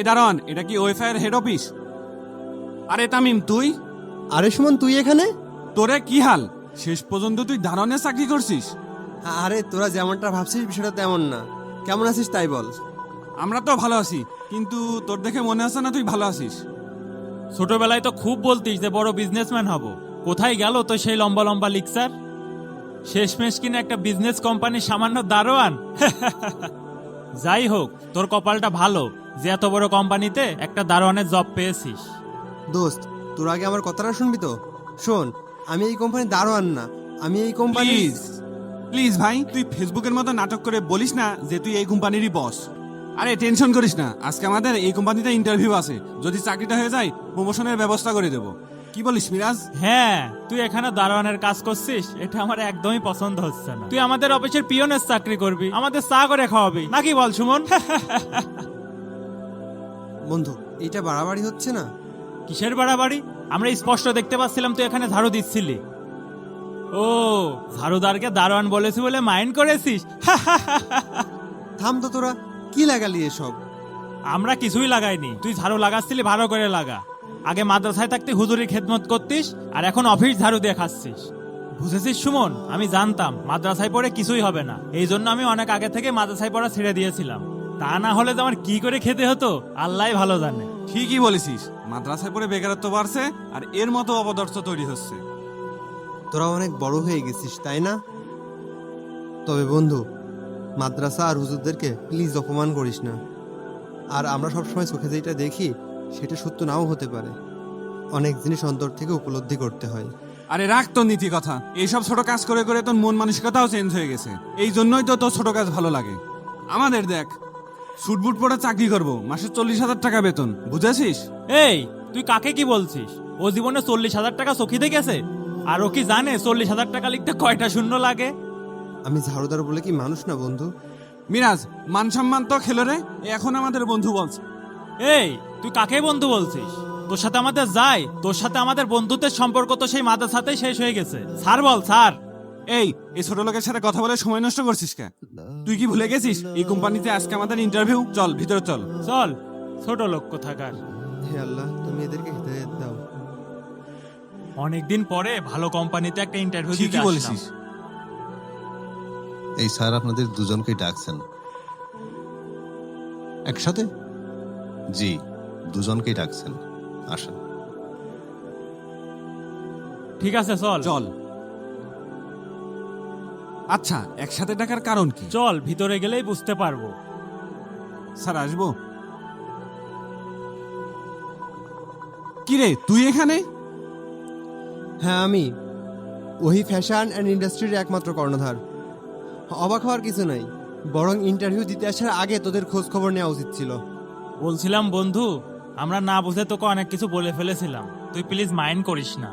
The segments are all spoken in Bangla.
এই দারোয়ান, এটা কি ওয়েফাই এর হেড অফিস? আরে তামিম তুই? আরে সুমন, তুই এখানে? তোরে কি হাল? শেষ পর্যন্ত তুই দারোয়ানের চাকরি করছিস? আরে তোরা যেমনটা ভাবছিস বিষয়টা তেমন না। কেমন আছিস তাই বল। আমরা তো ভালো আছি, কিন্তু তোর দেখে মনে হচ্ছে না তুই ভালো আছিস। ছোটবেলায় তো খুব বলতিস যে বড় বিজনেসম্যান হব। কোথায় গেল তো সেই লম্বা লম্বা লিকচার? শেষমেশ কিনা একটা বিজনেস কোম্পানির সামান্য দারোয়ান। যাই হোক, তোর কপালটা ভালো যে এত বড় কোম্পানিতে একটা দারোয়ানের জব পেয়েছিস। দোস্ত, তোর আগে আমার কথাটা শুনবি তো? শোন, আমি এই কোম্পানি দারোয়ান না, আমি এই কোম্পানি। প্লিজ প্লিজ ভাই, তুই ফেসবুকের মতো নাটক করে বলিস না যে তুই এই কোম্পানিরই বস। আরে টেনশন করিস না, আজকে আমাদের এই কোম্পানিতে ইন্টারভিউ আছে। যদি চাকরিটা হয়ে যায় প্রমোশনের ব্যবস্থা করে দেব। কি বলিস মিরাজ? হ্যাঁ, তুই এখানে দারোয়ানের কাজ করছিস, এটা আমার একদমই পছন্দ হচ্ছে না। তুই আমাদের অফিসের পিয়নের চাকরি করবি, আমাদের চা করে খাওয়াবি নাকি বল সুমন? বন্ধু, এইটা বাড়াবাড়ি হচ্ছে না? কিসের বাড়াবাড়ি? আমরা স্পষ্ট দেখতে পাচ্ছিলাম তুই এখানে ঝাড়ু দিচ্ছিলি। ও, ঝাড়ুদারকে দারোয়ান বলেছি বলে মাইন্ড করেছিস? থাম তো তোরা, কি লাগালি এসব? আমরা কিছুই লাগাইনি, তুই ঝাড়ু লাগাচ্ছিলি ভালো করে লাগা। আগে মাদ্রাসায় থাকতে হুজুরি খেদমত করতিস, আর এখন অফিস ঝাড়ু দিয়ে খাচ্ছিস। বুঝেছিস সুমন, আমি জানতাম মাদ্রাসায় পড়ে কিছুই হবে না, এই জন্য আমি অনেক আগে থেকে মাদ্রাসায় পড়া ছেড়ে দিয়েছিলাম। তা না হলে তো আমার কি করে খেতে হতো আল্লাহই ভালো জানে। ঠিকই বলেছিস, মাদ্রাসায় পড়ে বেকারত্ব বাড়ছে আর এর মতো অপদার্থ তৈরি হচ্ছে। তোরা অনেক বড় হয়ে গেছিস তাই না? তবে বন্ধু, মাদ্রাসা আর হুজুরদেরকে প্লিজ অপমান করিস না। আর আমরা সবসময় চোখে যেটা দেখি সেটা সত্য নাও হতে পারে। অনেক জিনিস অন্তর থেকে উপলব্ধি করতে হয়। আরে রাখ তোর নীতি কথা, এইসব ছোট কাজ করে করে তোর মন মানসিকতাও চেঞ্জ হয়ে গেছে। এই জন্যই তো তোর ছোট কাজ ভালো লাগে। আমাদের দেখ, সুটবুট পরে চাকরি করব, মাসে 40,000 টাকা বেতন, বুঝেছিস? এই, তুই কাকে কি বলছিস? ও জীবনে 40,000 টাকা চোখে দেখেছে? আর ও কি জানে 40,000 টাকা লিখতে কয়টা শূন্য লাগে? আমি ঝাড়ুদার বলে কি মানুষ না বন্ধু? মিরাজ, মান সম্মান তো খেলো রে, এখন আমাদের বন্ধু বলছে। এই, তুই কাকে বন্ধু বলছিস? তোর সাথে আমাদের যায়, তোর সাথে আমাদের বন্ধুত্বের সম্পর্ক তো সেই মাদ্রাসাতেই শেষ হয়ে গেছে। স্যার বল স্যার। এই ছোট লোকের সাথে কথা বলে সময় নষ্ট করছিস কে? তুই কি ভুলে গেছিস এই কোম্পানিতে আজকে আমাদের ইন্টারভিউ? চল ভিতরে চল। চল, ছোট লোক কোথাকার। হে আল্লাহ, তুমি এদেরকে হিদায়াত দাও। অনেকদিন পরে ভালো কোম্পানিতে একটা ইন্টারভিউ দিতে ঠিকই আসলাম। বলেছিস। এই স্যার আপনাদের দুজনকেই ডাকছেন। একসাথে? জি, দুজনকেই ডাকছেন, আসেন। ঠিক আছে চল। চল। আচ্ছা, একসাথে ডাকার কারণ কি? চল, ভিতরে গেলেই বুঝতে পারবো। স্যার আসবো? কি রে তুই এখানে? হ্যাঁ, আমি ওই ফ্যাশন অ্যান্ড ইন্ডাস্ট্রির একমাত্র কর্ণধার। অবাক হওয়ার কিছু নাই, বরং ইন্টারভিউ দিতে আসার আগে তোদের খোঁজ খবর নেওয়া উচিত ছিল। বলছিলাম বন্ধু, আমরা না বুঝে তোকে অনেক কিছু বলে ফেলেছিলাম, তুই প্লিজ মাইন্ড করিস না।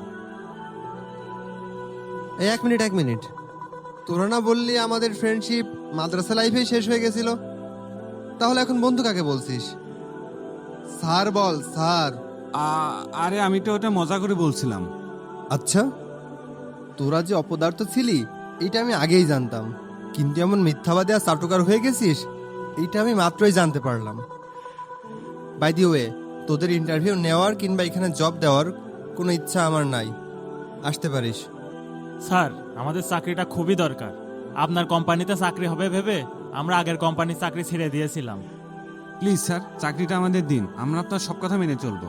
এই এক মিনিট, তোরা না বললি আমাদের ফ্রেন্ডশিপ মাদ্রাসা লাইফেই শেষ হয়ে গেছিল? তাহলে এখন বন্ধু কাকে বলছিস? স্যার বল স্যার। আরে আমি তো ওটা মজা করে বলছিলাম। আচ্ছা, তোরা যে অপদার্থ ছিলি এটা আমি আগেই জানতাম, কিন্তু এমন মিথ্যাবাদী আর চাটুকার হয়ে গেছিস এইটা আমি মাত্রই জানতে পারলাম। বাই দি ওয়ে, তোদের ইন্টারভিউ নেওয়ার কিংবা এখানে জব দেওয়ার কোনো ইচ্ছা আমার নাই, আসতে পারিস। স্যার, আমাদের চাকরিটা খুবই দরকার। আপনার কোম্পানিতে চাকরি হবে ভেবে আমরা আগের কোম্পানির চাকরি ছেড়ে দিয়েছিলাম। প্লিজ স্যার, চাকরিটা আমাদের দিন, আমরা আপনার সব কথা মেনে চলবো।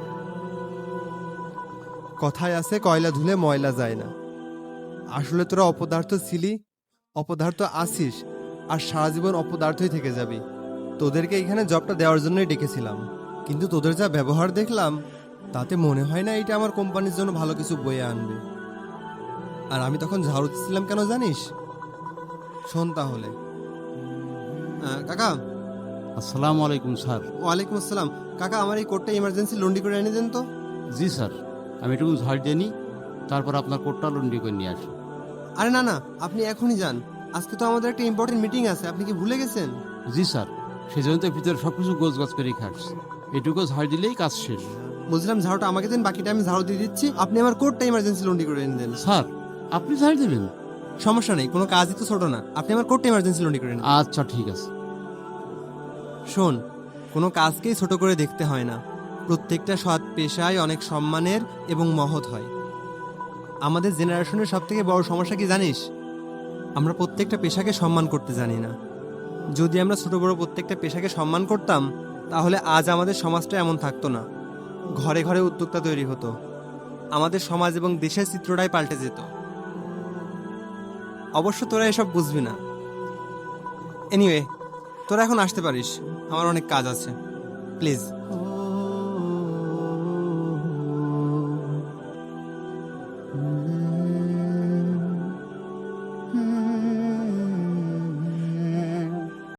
কথায় আছে কয়লা ধুলে ময়লা যায় না। আসলে তোরা অপদার্থ ছিলি, অপদার্থ আসিস, আর সারা জীবন অপদার্থই থেকে যাবি। তোদেরকে এখানে জবটা দেওয়ার জন্যই ডেকেছিলাম, কিন্তু তোদের যা ব্যবহার দেখলাম তাতে মনে হয় না এটা আমার কোম্পানির জন্য ভালো কিছু বয়ে আনবে। আর আমি তখন ঝাড়ু দিচ্ছিলাম কেন জানিস? শোন তাহলে। কাকা। আসসালামু আলাইকুম স্যার। ওয়ালাইকুম আসসালাম। কাকা, আমার এই কোটটা ইমার্জেন্সি লন্ড্রি করে এনে দেন তো। জি স্যার, আমি একটু ঝাড় দিয়ে নিই, তারপর আপনার কোটটা লন্ড্রি করে নিয়ে আসি। আরে না, আপনি এখনই যান, আজকে তো আমাদের একটা ইম্পর্টেন্ট মিটিং আছে, আপনি কি ভুলে গেছেন? জি স্যার, সেই জন্য তো ভিতরে সব কিছু গোছ গাছ করে খাচ্ছি, এটুকু ঝাড় দিলেই কাজ শেষ। বলছিলাম ঝাড়ুটা আমাকে দেন, বাকিটা আমি ঝাড়ু দিয়ে দিচ্ছি, আপনি আমার কোটটা ইমার্জেন্সি লন্ড্রি করে এনে দেন। স্যার, আপনি ঝাড় দেবেন? সমস্যা নেই, কোনো কাজই তো ছোট না, আপনি আমার কোটটা ইমার্জেন্সি লন্ড্রি করে নেন। আচ্ছা ঠিক আছে। শোন, কোনো কাজকেই ছোট করে দেখতে হয় না। প্রত্যেকটা সৎ পেশায় অনেক সম্মানের এবং মহৎ হয়। আমাদের জেনারেশনের সব থেকে বড় সমস্যা কি জানিস? আমরা প্রত্যেকটা পেশাকে সম্মান করতে জানি না। যদি আমরা ছোট বড় প্রত্যেকটা পেশাকে সম্মান করতাম, তাহলে আজ আমাদের সমাজটা এমন থাকতো না। ঘরে ঘরে উদ্যোক্তা তৈরি হতো, আমাদের সমাজ এবং দেশের চিত্রটাই পাল্টে যেত। অবশ্য তোরা এসব বুঝবি না। এনিওয়ে, তোরা এখন আসতে পারিস, আমার অনেক কাজ আছে। প্লিজ।